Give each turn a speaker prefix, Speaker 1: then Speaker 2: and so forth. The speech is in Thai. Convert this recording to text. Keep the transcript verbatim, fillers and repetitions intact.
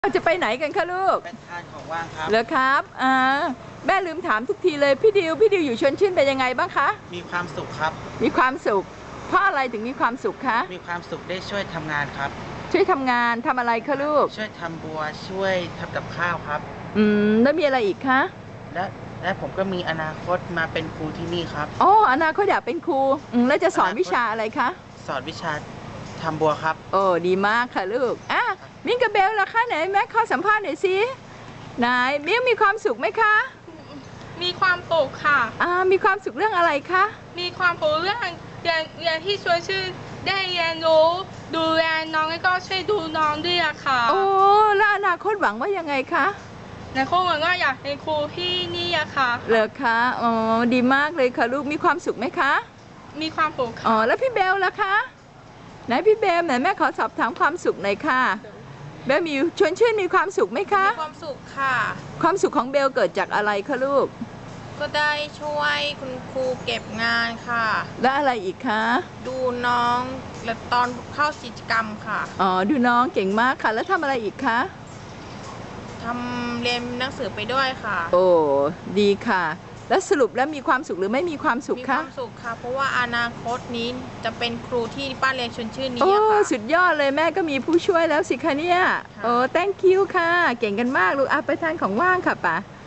Speaker 1: เราจะไปไหนกันคะลูก
Speaker 2: ไปทานของว่างครับ
Speaker 1: เหรอครับอ่าแม่ลืมถามทุกทีเลยพี่ดิวพี่ดิวอยู่ชวนชื่นเป็นยังไงบ้างคะ
Speaker 2: มีความสุขครับ
Speaker 1: มีความสุขเพราะอะไรถึงมีความสุขคะ
Speaker 2: มีความสุขได้ช่วยทำงานครับ
Speaker 1: ช่วยทำงานทำอะไรคะลูก
Speaker 2: ช่วยทำบัวช่วยทำกับข้าวครับ
Speaker 1: อืมแล้วมีอะไรอีกคะ
Speaker 2: และและผมก็มีอนาคตมาเป็นครูที่นี่ครับ
Speaker 1: อ๋ออนาคตอยากเป็นครูอืมแล้วจะสอนวิชาอะไรคะ
Speaker 2: สอนวิชาทำบัวครับ
Speaker 1: โอ้ดีมากค่ะลูกอ่ะมิ้งกับเบลล่ะคะไหนแม่ขอสัมภาษณ์หน่อยสิไหนมิ้งมีความสุขไหมคะ
Speaker 3: มีความสุขค่ะ
Speaker 1: อ่ามีความสุขเรื่องอะไรคะ
Speaker 3: มีความสุขเรื่องเรียนเรียนที่ชวนชื่อได้เรียนรู้ดูแลน้องแล้วก็ช่วยดูน้องด้วยค่ะ
Speaker 1: โอ้แล้วอนาคตหวังว่ายังไงคะ
Speaker 3: ในโครงก็อยากเป็นครูที่นี่อะค่ะ
Speaker 1: เหรอคะอ๋อดีมากเลยค่ะลูกมีความสุขไหมคะ
Speaker 3: มีความสุข
Speaker 1: อ๋อแล้วพี่เบลล่ะคะไหนพี่เบลไหนแม่ขอสอบถามความสุขหน่อยค่ะเบลมีชวนชื่นมีความสุขไหมคะ
Speaker 3: มีความสุขค่ะ
Speaker 1: ความสุขของเบลเกิดจากอะไรคะลูก
Speaker 3: ก็ได้ช่วยคุณครูเก็บงานค่ะ
Speaker 1: และอะไรอีกคะ
Speaker 3: ดูน้องและตอนเข้ากิจกรรมค่ะ
Speaker 1: อ๋อดูน้องเก่งมากค่ะแล้วทำอะไรอีกคะ
Speaker 3: ทำเรียนหนังสือไปด้วยค่ะ
Speaker 1: โอ้ดีค่ะแล้วสรุปแล้วมีความสุขหรือไม่มีความสุขคะ
Speaker 3: มีความสุขค่ะเพราะว่าอนาคตนี้จะเป็นครูที่ป้าเรียนชวนชื่นนี้
Speaker 1: โอ้
Speaker 3: ค่ะ
Speaker 1: สุดยอดเลยแม่ก็มีผู้ช่วยแล้วสิคะเนี่ยโอ้ thank you ค่ะเก่งกันมากลูกอ่ะไปทานของว่างค่ะป่ะ